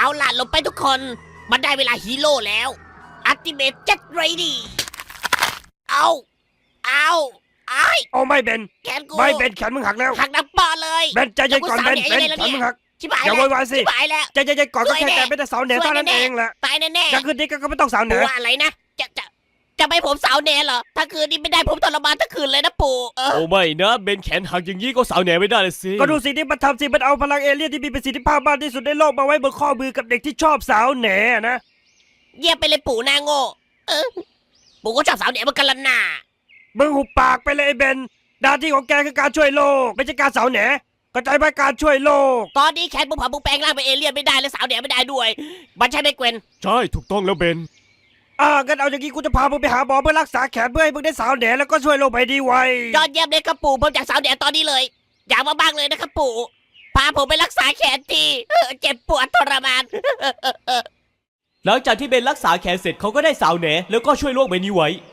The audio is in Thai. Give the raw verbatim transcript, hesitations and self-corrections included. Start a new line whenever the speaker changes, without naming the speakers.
ล่ะลงไปทุกคนมันได้เวลาฮีโร่แล้วอัลติเมทเจ็ตไรดี้เอาเอาไอ้
โอ้ไม่เบน
แขนกู
ไม่เบนแขนมึงหักแล้ว
หักดังปอเลย
เบนใจเย็นก่อนเบนเบนแขนมึงหัก
ชิบหาย
อย่า
แล้ว
โวยวายสิ
ชิบหายแล้ว
ใจเย็นๆก่อนก็แค่แกไม่ได้สาวเหนือเท่านั้นเองแหละ
ตายแน่ๆ
ถ้าคืนนี้ก็ไม่ต้องสาวเหนื
ปู่
อ
ว่าอะไรนะจะจะจะไม่ผมสาวแน่เหรอถ้าคืนนี้ไม่ได้ผมทรมานทั้งคืนเลยนะปู่เออ
โอ้ไม่นะเบนแขนหักอย่างนี้ก็สาวแหน่ไม่ได้เลยสิ
ก็ดูสิ่งที่มันทำสิมันเอาพลังเอเลี่ยนที่มีประสิทธิภาพมากที่สุดในโลกมาไว้บนข้อมือกับเด็กที่ชอบสาวแหน่นะ
เยี่ยมไปเลยปู่หนาโง่เออปู่ก็ชอบสาวแหน่เหมือนกันละน่ะ
มึงหุบปากไปเลยไอ้เบนหน้าที่ของแกคือการช่วยโลกไม่ใช่การสาวแหน่เข้าใจไหมการช่วยโลก
ตอนนี้แขนผมผ่าผมแปลงร่างเป็นเอเลี่ยนไม่ได้และสาวแหน่ไม่ได้ด้วยมันใช่ไหมเกวน
ใช่ถูกต้องแล้วเบน
อ่างั้นเอาอย่างนี้กูจะพามึงไปหาหมอเพื่อรักษาแขนเพื่อให้มึงได้สาวแหน่แล้วก็ช่วยโลกไปดีไว
ยอดเยี่ยมเลยครับปู่ผมอยากสาวแหน่ตอนนี้เลย อยากมากๆเลยนะครับปู่พาผมไปรักษาแขนทีเออเจ็บปวดทรมาน
หลังจากที่เบนรักษาแขนเสร็จเขาก็ได้สาวแหน่แล้วก็ช่วยโลกใบนี้ไว้